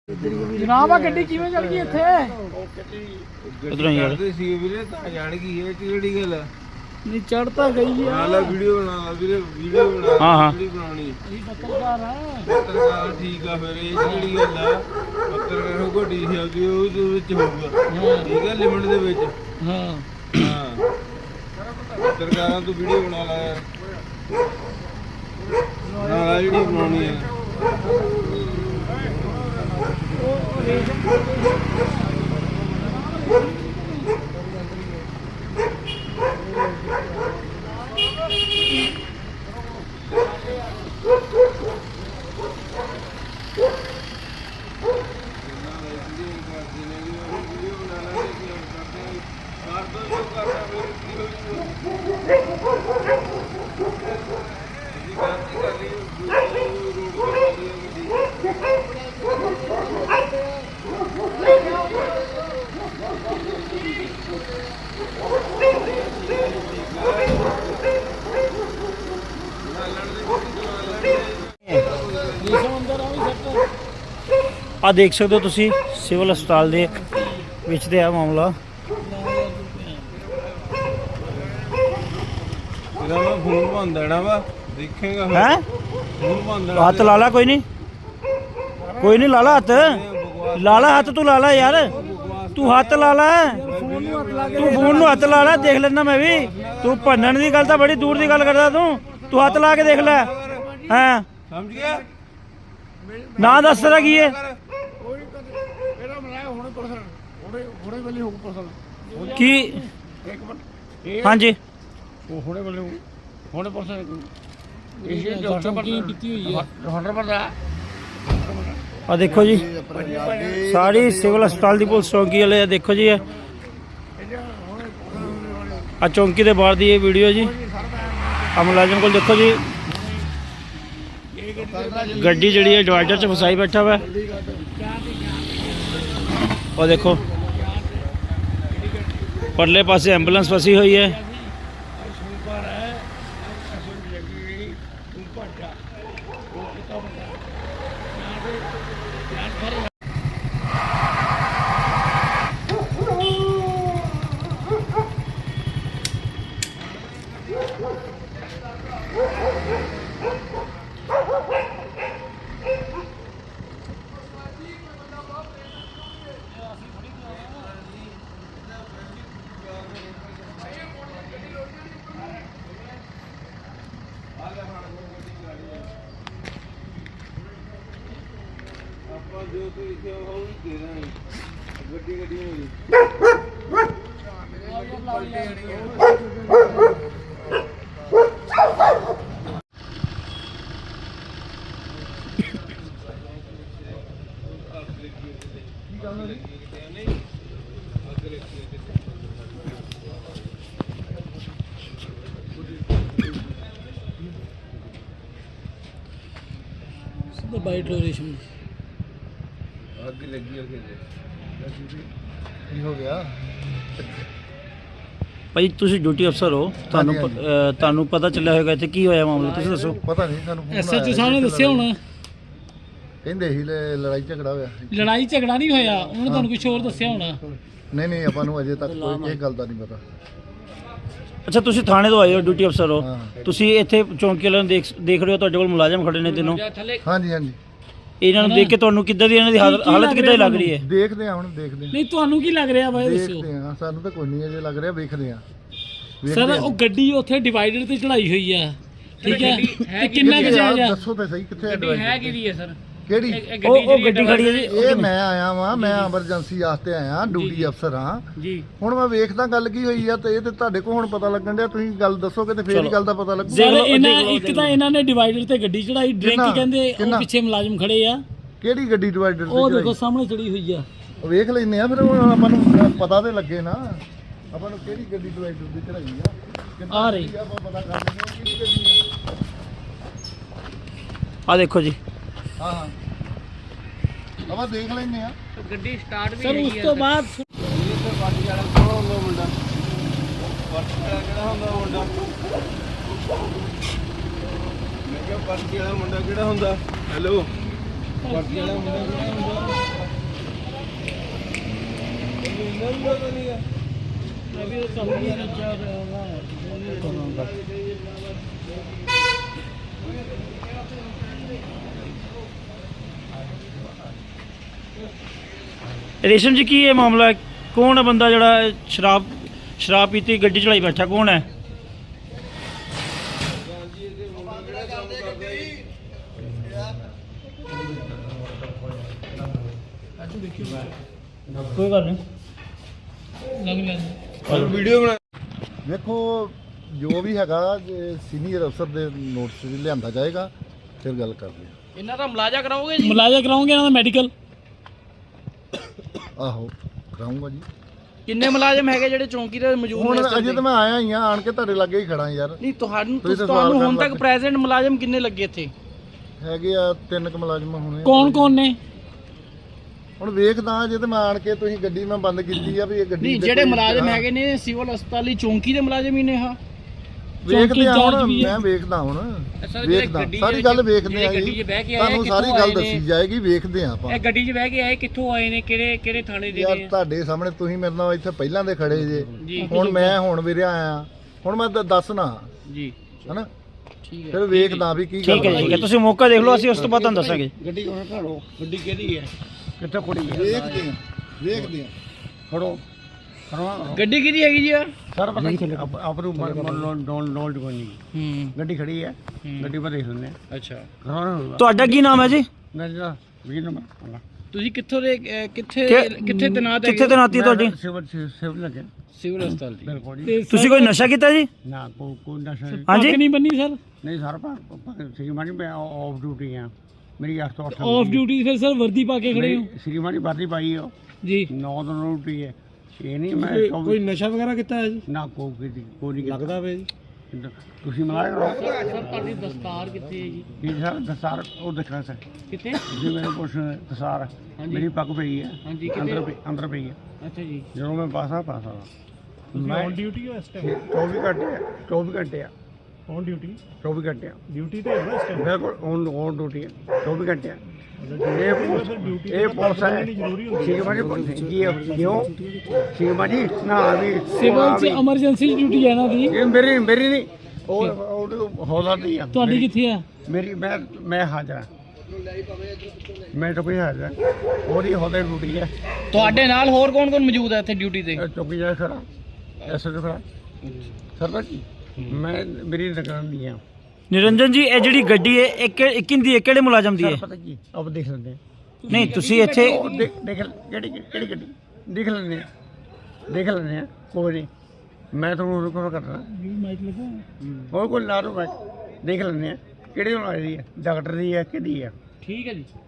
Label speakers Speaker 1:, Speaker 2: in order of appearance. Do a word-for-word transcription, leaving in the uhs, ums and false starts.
Speaker 1: ਜਨਾਬ ਆ ਗੱਡੀ ਕਿਵੇਂ ਚੜ ਗਈ ਇੱਥੇ?
Speaker 2: ਉਧਰੋਂ ਹੀ
Speaker 3: ਕਰਦੇ ਸੀ ਵੀਰੇ ਤਾਂ ਜਾਣ ਗਈ ਇਹ ਕਿਹੜੀ ਗੱਲ ਆ?
Speaker 1: ਨਹੀਂ ਚੜ ਤਾਂ ਗਈ ਆ।
Speaker 3: ਬਣਾ ਲਾ ਵੀਡੀਓ ਬਣਾ ਲਾ ਵੀਰੇ ਵੀਡੀਓ ਬਣਾ
Speaker 2: ਹਾਂ, ਹਾਂ।
Speaker 3: ਜਿਹੜੀ ਬਣਾਉਣੀ
Speaker 1: ਅਸੀਂ ਪੱਤਰਕਾਰ ਆ।
Speaker 3: ਪੱਤਰਕਾਰ ਠੀਕ ਆ ਫਿਰ ਇਹ ਕਿਹੜੀ ਗੱਲ ਆ? ਪੱਤਰਕਾਰ ਨੂੰ ਘੋਟੀ ਸ਼ਬਦੀ ਉਹ ਦੇ ਵਿੱਚ ਹੋਊਗਾ ਠੀਕ ਆ ਲਿਮਟ ਦੇ ਵਿੱਚ।
Speaker 1: ਹਾਂ
Speaker 3: ਹਾਂ ਪੱਤਰਕਾਰਾਂ ਤੋਂ ਵੀਡੀਓ ਬਣਾ ਲਾ ਯਾਰ ਬਣਾ ਲਾ ਜਿਹੜੀ ਬਣਾਉਣੀ ਆ।
Speaker 2: ਆ ਦੇਖ ਸਕਦੇ ਹੋ ਤੁਸੀਂ ਸਿਵਲ ਹਸਪਤਾਲ ਦੇ ਵਿੱਚ ਤੇ ਆ ਮਾਮਲਾ।
Speaker 3: ਇਹਦਾ ਮੈਂ ਫੋਨ ਬੰਦ ਦੇਣਾ ਵਾ ਦੇਖੇਗਾ
Speaker 2: ਹੈ
Speaker 3: ਫੋਨ ਬੰਦ ਦੇਣਾ।
Speaker 2: ਹੱਥ ਲਾ ਲਾ ਕੋਈ ਨਹੀਂ ਕੋਈ ਨਹੀਂ ਲਾ ਲਾ ਹੱਥ ਲਾ ਲਾ ਹੱਥ ਤੂੰ ਲਾ ਲਾ ਯਾਰ ਤੂੰ ਹੱਥ ਲਾ ਲਾ ਤੂੰ ਫੋਨ ਨੂੰ ਹੱਥ ਲਾ ਲਾ ਦੇਖ ਲੈਣਾ ਮੈਂ ਵੀ। ਤੂੰ ਭੰਨਣ ਦੀ ਗੱਲ ਤਾਂ ਬੜੀ ਦੂਰ ਦੀ ਗੱਲ ਕਰਦਾ ਤੂੰ ਤੂੰ ਹੱਥ ਲਾ ਕੇ ਦੇਖ ਲੈ। ਹਾਂ
Speaker 3: ਸਮਝ ਗਿਆ
Speaker 2: ਨਾ ਦੱਸ ਤੇਰਾ ਕੀ ਹੈ
Speaker 1: ਇਹਦਾ ਮਲਾਇਆ ਹੁਣੇ ਪਰਸਨ ਹੁਣੇ ਹੁਣੇ ਵੇਲੇ ਹੋ ਪਰਸਨ
Speaker 2: ਕੀ
Speaker 1: ਇੱਕ ਮਿੰਟ
Speaker 2: ਹਾਂਜੀ
Speaker 1: ਉਹ ਹੁਣੇ ਵੇਲੇ ਹੁਣੇ ਪਰਸਨ ਇਹ ਡਾਕਟਰ ਕੀ ਕੀਤੀ ਹੋਈ ਹੈ ਹੰਡਰ ਪਰਦਾ।
Speaker 2: ਆ ਦੇਖੋ ਜੀ ਸਾਰੀ ਸਿਵਲ ਹਸਪਤਾਲ ਦੀ ਪੁਲਿਸ ਚੌਂਕੀ ਵਾਲੇ ਆ ਦੇਖੋ ਜੀ ਆ ਚੌਂਕੀ ਦੇ ਬਾਹਰ ਦੀ ਇਹ ਵੀਡੀਓ ਜੀ। ਆ ਮੁਲਾਜ਼ਮ ਕੋਲ ਦੇਖੋ ਜੀ ਗੱਡੀ ਜਿਹੜੀ ਹੈ ਡਿਵਾਈਡਰ 'ਚ ਫਸਾਈ ਬੈਠਾ ਵਾ। ਉਹ ਦੇਖੋ ਪਰਲੇ ਪਾਸੇ ਐਂਬੂਲੈਂਸ ਫਸੀ ਹੋਈ ਹੈ।
Speaker 3: ਆਪਾਂ ਜੋ ਤੂੰ ਲਿਖਿਆ ਉਹ ਵੀ ਦੇ ਦਾਂਗੇ ਗੱਡੀ ਗੱਡੀ ਹੋਈ।
Speaker 1: ਬਾਈਟ ਲੋਰੇਸ਼ਨ
Speaker 3: ਅੱਗ ਲੱਗੀ ਅੱਗੇ ਕੀ ਹੋ ਗਿਆ?
Speaker 2: ਭਾਈ ਤੁਸੀਂ ਡਿਊਟੀ ਅਫਸਰ ਹੋ ਤੁਹਾਨੂੰ ਪ- ਅਹ ਤੁਹਾਨੂੰ ਪਤਾ ਚੱਲਿਆ ਹੋਵੇਗਾ ਇੱਥੇ ਕੀ ਹੋਇਆ ਮਾਮਲਾ ਤੁਸੀਂ ਦੱਸੋ।
Speaker 4: ਪਤਾ ਨਹੀਂ ਸਾਨੂੰ phone
Speaker 1: ਐਸਐਚਓ
Speaker 4: ਆਇਆ
Speaker 1: ਸਾਹਿਬ ਨੇ
Speaker 4: ਸੀ
Speaker 1: ਦੱਸਿਆ ਹੋਣਾ
Speaker 4: ਕਹਿੰਦੇ ਸੀ ਲ- ਲੜਾਈ ਝਗੜਾ ਹੋਇਆ ਸੀ।
Speaker 1: ਲੜਾਈ ਝਗੜਾ ਨਹੀਂ ਹੋਇਆ ਉਹਨਾਂ ਨੇ ਤੁਹਾਨੂੰ ਕੁਝ ਹੋਰ ਦੱਸਿਆ ਹੋਣਾ।
Speaker 4: ਨਹੀਂ ਨਹੀਂ ਆਪਾਂ ਨੂੰ ਅਜੇ ਤੱਕ ਕੋਈ ਇਹ ਗੱਲ ਦਾ ਨਹੀਂ ਪਤਾ।
Speaker 2: ਅੱਛਾ ਤੁਸੀਂ ਥਾਣੇ ਤੋਂ ਆਏ ਹੋ ਡਿਊਟੀ ਅਫਸਰ ਹੋ
Speaker 4: ਹਾਂ।
Speaker 2: ਤੁਸੀਂ ਇੱਥੇ ਚੌਂਕੀ ਵਾਲਿਆਂ ਨੂੰ ਦੇਖ ਦੇਖ ਰਹੇ ਹੋ ਤੁਹਾਡੇ ਕੋਲ ਮੁਲਾਜ਼ਮ ਖੜੇ ਨੇ ਤਿੰਨੋਂ
Speaker 4: ਹਾਂਜੀ ਹਾਂਜੀ
Speaker 2: ਇਹਨਾਂ ਨੂੰ ਦੇਖ ਕੇ ਤੁਹਾਨੂੰ ਕਿੱਦਾਂ ਦੀ ਇਹਨਾਂ ਦੀ ਹਾਲ-
Speaker 1: ਕੀ- ਕੀ
Speaker 2: ਹਾਲਤ
Speaker 1: ਲੱਗ
Speaker 2: ਕਿੱਦਾਂ ਦੀ
Speaker 1: ਰਿਹਾ
Speaker 2: ਲੱਗ ਰਹੀ ਹੈ?
Speaker 4: ਦੇਖਦੇ ਆ ਹੁਣ ਦੇਖਦੇ ਆ
Speaker 1: ਨਹੀਂ ਤੁਹਾਨੂੰ ਕੀ ਲੱਗ ਰਿਹਾ ਬਾਈ ਦੱਸੋ
Speaker 4: ਦੇਖਦੇ ਆ ਸਾਨੂੰ ਤਾਂ ਕੋਈ ਨਹੀਂ ਅਜੇ ਲੱਗ ਰਿਹਾ ਵੇਖਦੇ ਆ
Speaker 1: ਸਰ ਉਹ ਗੱਡੀ ਉੱਥੇ ਡਿਵਾਈਡਰ ਤੇ ਚੜਾਈ ਹੋਈ ਆ ਠੀਕ ਹੈ ਤੇ ਕਿੰਨਾ ਕੁ ਜਾਇਜ਼ ਆ?
Speaker 4: ਦੱਸੋ ਤਾਂ ਸਹੀ ਕਿੱਥੇ ਹੈ
Speaker 1: ਹੈ ਕਿਹਦੀ ਹੈ ਸਰ
Speaker 4: ਕਿਹੜੀ
Speaker 2: ਉਹ ਉਹ ਗੱਡੀ ਖੜੀ ਹੈ ਜੀ
Speaker 4: ਇਹ ਮੈਂ ਆਇਆ ਵਾਂ ਮੈਂ ਐਮਰਜੈਂਸੀ ਵਾਸਤੇ ਆਇਆ ਡਿਊਟੀ ਅਫਸਰ ਹਾਂ
Speaker 1: ਜੀ
Speaker 4: ਹੁਣ ਮੈਂ ਵੇਖਦਾ ਗੱਲ ਕੀ ਹੋਈ ਆ ਤੇ ਇਹ ਤੇ ਤੁਹਾਡੇ ਕੋਲ ਹੁਣ ਪਤਾ ਲੱਗਣ ਡਿਆ ਤੁਸੀਂ ਗੱਲ ਦੱਸੋਗੇ ਤੇ ਫੇਰ ਹੀ ਗੱਲ ਦਾ ਪਤਾ ਲੱਗੂ।
Speaker 1: ਸਰ ਇਹਨਾਂ ਇੱਕ ਤਾਂ ਇਹਨਾਂ ਨੇ ਡਿਵਾਈਡਰ ਤੇ ਗੱਡੀ ਚੜਾਈ ਡਰਿੰਕ
Speaker 4: ਕਿੰਨਾ?
Speaker 1: ਕਹਿੰਦੇ ਉਹ
Speaker 4: ਕਿੰਨਾ?
Speaker 1: ਪਿੱਛੇ ਮੁਲਾਜ਼ਮ ਖੜੇ ਆ
Speaker 4: ਕਿਹੜੀ ਗੱਡੀ ਡਿਵਾਈਡਰ
Speaker 1: ਉਹ
Speaker 4: ਤੇ
Speaker 1: ਦੇਖੋ ਸਾਹਮਣੇ ਚੜੀ ਹੋਈ ਆ।
Speaker 4: ਵੇਖ ਲੈਨੇ ਆ ਫਿਰ ਹੁਣ ਆਪਾਂ ਨੂੰ ਪਤਾ ਤੇ ਲੱਗੇ ਨਾ ਆਪਾਂ ਨੂੰ ਕਿਹੜੀ ਗੱਡੀ ਡਿਵਾਈਡਰ ਦੀ ਚੜਾਈ ਆ ਕਿੱਦਾਂ
Speaker 1: ਆ ਰਹੀ।
Speaker 4: ਆਪਾਂ ਪਤਾ ਕਰ ਲੈਂਦੇ ਹਾਂ ਕਿਹੜੀ ਗੱਡੀ ਆ।
Speaker 2: ਆ ਦੇਖੋ ਜੀ
Speaker 4: ਹਾਂ ਹਾਂ ਆਪਾਂ ਦੇਖ ਲੈਨੇ ਆ
Speaker 1: ਗੱਡੀ ਸਟਾਰਟ ਵੀ ਸਰ ਉਸ ਤੋਂ ਬਾਅਦ
Speaker 3: ਪਾਰਟੀ ਵਾਲਾ ਕੌਣ ਹੁੰਦਾ ਮੁੰਡਾ? ਪਾਰਟੀ ਵਾਲਾ ਕਿਹੜਾ ਹੁੰਦਾ ਮੁੰਡਾ? ਮੈਂ ਕਿਹਾ ਪਾਰਟੀ ਵਾਲਾ ਮੁੰਡਾ ਕਿਹੜਾ ਹੁੰਦਾ? ਹੈਲੋ ਪਾਰਟੀ ਵਾਲਾ ਮੁੰਡਾ ਕਿਹੜਾ ਹੁੰਦਾ?
Speaker 2: ਰੇਸ਼ਮ ਜੀ ਕੀ ਇਹ ਮਾਮਲਾ ਹੈ? ਕੌਣ ਹੈ ਬੰਦਾ ਜਿਹੜਾ ਸ਼ਰਾਬ ਸ਼ਰਾਬ ਪੀਤੀ ਗੱਡੀ ਚਲਾਈ ਬੈਠਾ, ਕੌਣ ਹੈ? ਕੋਈ ਗੱਲ ਨਹੀਂ,
Speaker 3: ਵੀਡੀਓ ਬਣਾ
Speaker 4: ਵੇਖੋ ਜੋ ਵੀ ਹੈਗਾ ਸੀਨੀਅਰ ਅਫਸਰ ਦੇ ਨੋਟਿਸ ਵਿੱਚ ਲਿਆਂਦਾ ਜਾਏਗਾ, ਫਿਰ ਗੱਲ ਕਰਦੇ ਹਾਂ।
Speaker 1: ਇਹਨਾਂ ਦਾ ਮੁਲਾਜ਼ਾ ਕਰਾਓਗੇ ਜੀ?
Speaker 2: ਮੁਲਾਜ਼ਾ ਕਰਾਉਂਗੇ ਇਹਨਾਂ ਦਾ ਮੈਡੀਕਲ?
Speaker 4: ਆਹੋ ਕਰਾਉਂਗਾ ਜੀ।
Speaker 1: ਕਿੰਨੇ ਮੁਲਾਜ਼ਮ ਹੈਗੇ ਜਿਹੜੇ ਚੌਂਕੀ ਤੇ ਮੌਜੂਦ ਨੇ
Speaker 4: ਹੁਣ
Speaker 1: ਇਸ time
Speaker 4: ਅਜੇ
Speaker 1: ਤੇ?
Speaker 4: ਤਾਂ ਮੈਂ ਆਇਆ ਹੀ ਆ, ਆਣ ਕੇ ਤੁਹਾਡੇ ਲਾਗੇ ਹੀ ਖੜਾ ਯਾਰ।
Speaker 1: ਨਹੀਂ ਤੁਹਾਨੂੰ
Speaker 4: ਤੁਸੀਂ ਤਾਂ
Speaker 1: ਤੁਹਾਨੂੰ
Speaker 4: ਸਵਾਲ
Speaker 1: ਹੁਣ
Speaker 4: ਕਰਨ
Speaker 1: ਤੱਕ
Speaker 4: ਲੱਗ
Speaker 1: ਪ੍ਰੈਜ਼ੈਂਟ ਮੁਲਾਜ਼ਮ ਕਿੰਨੇ ਲੱਗੇ ਇੱਥੇ?
Speaker 4: ਹੈਗੇ ਆ ਤਿੰਨ ਕੁ ਮੁਲਾਜ਼ਮ ਹੋਣੇ ਆ।
Speaker 2: ਕੌਣ ਕੌਣ ਨੇ?
Speaker 4: ਹੁਣ ਵੇਖਦਾ ਅਜੇ ਤਾਂ ਮੈਂ ਆਣ ਕੇ, ਤੁਸੀਂ ਗੱਡੀ ਮੈਂ ਬੰਦ ਕੀਤੀ ਆ ਵੀ ਇਹ ਗੱਡੀ
Speaker 1: ਨਹੀਂ
Speaker 4: ਦੇ
Speaker 1: ਜਿਹੜੇ
Speaker 4: ਕੋਈ-
Speaker 1: ਮੁਲਾਜ਼ਮ
Speaker 4: ਹਾਂ।
Speaker 1: ਹੈਗੇ ਨੇ ਸਿਵਲ ਹਸਪਤਾਲ ਦੀ ਚੌਂਕੀ ਦੇ ਮੁਲਾਜ਼ਮ ਹੀ ਨੇ ਹਾਂ।
Speaker 4: ਵੇਖਦੇ ਆ ਹੁਣ,
Speaker 2: ਚਾਰਜ ਵੀ ਹੈ।
Speaker 4: ਮੈਂ ਵੇਖਦਾ ਹੁਣ
Speaker 1: ਸਰ, ਜਿਹੜੇ
Speaker 4: ਵੇਖਦਾ
Speaker 1: ਗੱਡੀ
Speaker 4: ਸਾਰੀ
Speaker 1: ਜਿਹੜੇ
Speaker 4: ਗੱਲ ਵੇਖਦੇ ਆ
Speaker 1: ਜਿਹੜੇ ਗੱਡੀ
Speaker 4: ਜੀ,
Speaker 1: 'ਚ ਬਹਿ ਕੇ ਆਏ,
Speaker 4: ਤੁਹਾਨੂੰ ਸਾਰੀ
Speaker 1: ਕਿੱਥੋਂ
Speaker 4: ਗੱਲ
Speaker 1: ਆਏ
Speaker 4: ਦੱਸੀ
Speaker 1: ਨੇ?
Speaker 4: ਜਾਏਗੀ, ਵੇਖਦੇ ਆ ਆਪਾਂ।
Speaker 1: ਇਹ ਗੱਡੀ 'ਚ ਬਹਿ ਕੇ ਆਏ ਕਿੱਥੋਂ ਆਏ ਨੇ, ਕਿਹੜੇ ਕਿਹੜੇ ਥਾਣੇ ਦੇ
Speaker 4: ਯਾਰ
Speaker 1: ਨੇ?
Speaker 4: ਤੁਹਾਡੇ ਸਾਹਮਣੇ ਤੁਸੀਂ ਮੇਰੇ ਨਾਲ ਇੱਥੇ ਪਹਿਲਾਂ ਦੇ ਖੜੇ ਜੇ,
Speaker 1: ਜੀ
Speaker 4: ਹੁਣ ਮੈਂ ਹੁਣ ਵੀਰਿਆ ਆਇਆ, ਹੁਣ ਮੈਂ ਦ- ਦੱਸਣਾ
Speaker 1: ਜੀ
Speaker 4: ਹਨਾ,
Speaker 1: ਠੀਕ ਹੈ।
Speaker 4: ਫਿਰ ਵੇਖਦਾ ਵੀ ਕੀ
Speaker 2: ਠੀਕ ਹੈ ਜੀ, ਠੀਕ ਹੈ, ਤੁਸੀਂ ਮੌਕਾ ਦੇਖ ਲਓ, ਅਸੀਂ ਉਸ ਤੋਂ ਬਾਅਦ ਤੁਹਾਨੂੰ ਦੱਸਾਂਗੇ।
Speaker 1: ਗੱਡੀ ਉਹਨਾਂ ਘੜੋ, ਗੱਡੀ ਕਿਹਦੀ ਹੈ, ਕਿੱਥੇ ਖੜੀ ਹੈ?
Speaker 4: ਵੇਖਦੇ ਆ ਵੇਖਦੇ ਆ
Speaker 1: ਖੜੋ ਗੱਡੀ ਕਿਹਦੀ ਹੈਗੀ ਜੀ? ਯਾਰ
Speaker 5: ਸਰ ਪਤਾ ਕੀ ਆਪ ਨੂੰ ਡੋਂਟ ਡੋਂਟ ਕੋਈ ਨਹੀਂ
Speaker 1: ਹੂੰ
Speaker 5: ਗੱਡੀ ਖੜੀ ਹੈ,
Speaker 1: ਹੂੰ।
Speaker 5: ਗੱਡੀ ਪਰ ਦੇਖ ਲੈਂਦੇ
Speaker 1: ਅੱਛਾ,
Speaker 5: ਹਾਂ
Speaker 2: ਤੁਹਾਡਾ ਕੀ ਨਾਮ ਹੈ ਜੀ?
Speaker 5: ਮੈਂ ਜਿਹੜਾ ਵੀਰ ਨੰਬਰ
Speaker 1: ਤੁਸੀਂ ਕਿੱਥੋਂ ਦੇ ਅਹ, ਕਿੱਥੇ
Speaker 2: ਕਿ-
Speaker 1: ਕਿੱਥੇ ਤੈਨਾਤ
Speaker 2: ਕਿੱਥੇ
Speaker 1: ਹੈਗੇ?
Speaker 2: ਤੈਨਾਤੀ ਤੁਹਾਡੀ?
Speaker 5: ਸਿਵਲ ਸਿਵਲ ਲੱਗੇ
Speaker 1: ਸਿਵਲ ਹਸਪਤਾਲ ਦੀ।
Speaker 5: ਬਿਲਕੁਲ ਜੀ।
Speaker 2: ਤੁਸੀਂ ਕੋਈ ਨਸ਼ਾ ਕੀਤਾ ਜੀ?
Speaker 5: ਨਾ ਕੋ ਕੋਈ ਨਸ਼ਾ ਨਹੀਂ।
Speaker 2: ਹਾਂਜੀ,
Speaker 6: ਨਹੀਂ ਬੰਨੀ ਸਰ?
Speaker 5: ਨਹੀਂ ਸਰ ਪਰ ਸ਼੍ਰੀਮਾਨੀ ਮੈਂ ਆਫ ਡਿਊਟੀ ਆ, ਮੇਰੀ ਅੱਠ ਤੋਂ ਅੱਠ
Speaker 6: ਆਫ ਡਿਊਟੀ ਫਿਰ ਸਰ ਵਰਦੀ ਪਾ ਕੇ ਖੜੇ ਹੋ
Speaker 5: ਸ਼੍ਰੀਮਾਨੀ ਵਰਦੀ ਪਾਈ ਹੋ,
Speaker 6: ਜੀ?
Speaker 5: ਨੌ ਤੋਂ ਨੌ ਡਿਊਟੀ ਹੈ। ਇਹ ਨਹੀਂ ਮੈਂ
Speaker 6: ਕੋਈ
Speaker 5: ਚੌਵੀ-
Speaker 6: ਨਸ਼ਾ ਵਗੈਰਾ ਕੀਤਾ ਹੈ ਜੀ?
Speaker 5: ਨਾ ਕੋ ਕੀਤੀ ਕੋਈ ਨਹੀਂ ਕੀਤਾ।
Speaker 6: ਲੱਗਦਾ ਵੇ ਜੀ।
Speaker 5: ਤੁਸੀਂ ਮਲਾਇਆ ਕਰੋ
Speaker 1: ਸਰ ਤੁਹਾਡੀ ਦਸਤਾਰ ਕਿੱਥੇ ਹੈ ਜੀ?
Speaker 5: ਕੀ ਸਰ ਦਸਾਰ ਉਹ ਦੇਖਣਾ ਸਰ
Speaker 1: ਕਿੱਥੇ?
Speaker 5: ਤੁਸੀਂ ਮੇਰੇ ਪੁੱਛ ਦਸਾਰ
Speaker 1: ਹਾਂਜੀ।
Speaker 5: ਮੇਰੀ ਪੱਗ ਪਈ ਹੈ
Speaker 1: ਹਾਂਜੀ,
Speaker 5: ਅੰਦਰ
Speaker 1: ਕਿੱਥੇ?
Speaker 5: ਪਈ ਅੰਦਰ ਪਈ ਹੈ
Speaker 1: ਅੱਛਾ ਜੀ,
Speaker 5: ਜਦੋਂ ਮੈਂ ਪਾਸਾ ਪਾਸਾ ਮੈਂ
Speaker 6: ਔਨ ਡਿਊਟੀ ਹੋ ਇਸ ਟਾਈਮ?
Speaker 5: ਚੌਵੀ ਘੰਟੇ ਆ, ਚੌਵੀ ਘੰਟੇ ਆ
Speaker 6: ਔਨ ਡਿਊਟੀ?
Speaker 5: ਚੌਵੀ ਘੰਟੇ ਆ
Speaker 6: ਡਿਊਟੀ ਤੇ ਹੈ ਇਸ ਟਾਈਮ?
Speaker 5: ਬਿਲਕੁਲ ਔਨ ਔਨ ਡਿਊਟੀ ਹੈ ਚੌਵੀ ਘੰਟੇ ਆ। ਇਹ ਪੁਲਿਸ ਇਹ ਪੁਲਿਸ ਹੈ ਸ਼ਿਕਮਾ ਜੀ ਜੀ ਕਿਉਂ ਸ਼ਿਕਮਾ ਜੀ ਨਾ ਵੀ
Speaker 6: ਸਿਵਲ ਚ ਐਮਰਜੈਂਸੀ ਡਿਊਟੀ ਹੈ ਨਾ ਦੀ?
Speaker 5: ਇਹ ਮੇਰੀ ਮੇਰੀ ਨਹੀਂ ਉਹ ਉਹ ਹੌਲਾ ਦੀ ਆ
Speaker 6: ਤੁਹਾਡੀ
Speaker 5: ਮੇਰੀ-
Speaker 6: ਕਿੱਥੇ ਆ?
Speaker 5: ਮੇਰੀ ਮੈਂ ਮੈਂ ਹਾਜ਼ਰ ਹਾਂ, ਮੈਂ ਤਾਂ ਕੋਈ ਹਾਜ਼ਰ ਹਾਂ। ਉਹਦੀ ਹੌਲੇ ਡਿਊਟੀ ਹੈ।
Speaker 1: ਤੁਹਾਡੇ ਨਾਲ ਹੋਰ ਕੌਣ ਕੌਣ ਮੌਜੂਦ ਹੈ ਇੱਥੇ ਡਿਊਟੀ ਤੇ?
Speaker 5: ਇਹ ਚੌਕੀ ਜਾ ਖੜਾ ਐਸੇ ਤੇ ਖੜਾ ਸਰਪੰਚ ਜੀ, ਮੈਂ ਮੇਰੀ ਦੁਕਾਨ ਦੀ ਆ।
Speaker 2: ਨਿਰੰਜਨ ਜੀ, ਇਹ ਜਿਹੜੀ ਗੱਡੀ ਹੈ ਇਹ ਕਿ- ਇਹ ਕਿਹਦੀ ਹੈ, ਕਿਹੜੇ ਮੁਲਾਜ਼ਮ ਦੀ ਹੈ?
Speaker 5: ਸਰ ਪਤਾ ਕੀ ਆਪ ਦੇਖ ਲੈਂਦੇ ਆ।
Speaker 2: ਨਹੀਂ, ਤੁਸੀਂ ਇੱਥੇ
Speaker 5: ਉਹ ਦੇਖ ਦੇਖ ਕਿਹੜੀ ਕਿਹੜੀ ਗੱਡੀ ਦੇਖ ਲੈਂਦੇ ਆ, ਦੇਖ ਲੈਂਦੇ ਆ ਕੋਈ ਨਹੀਂ, ਮੈਂ ਤੁਹਾਨੂੰ ਰਿਕਾਰਡ ਕਰਨਾ
Speaker 6: ਮਾਈਕ ਲਗਾ
Speaker 5: ਹੋਰ ਕੋਈ ਲਾ ਲਓ, ਮੈਂ ਦੇਖ ਲੈਂਦੇ ਆ ਕਿਹੜੀ ਹੋਣ ਵਾਲੀ ਹੈ, ਡਾਕਟਰ ਦੀ ਹੈ ਕਿਹਦੀ ਹੈ।
Speaker 1: ਠੀਕ ਹੈ ਜੀ।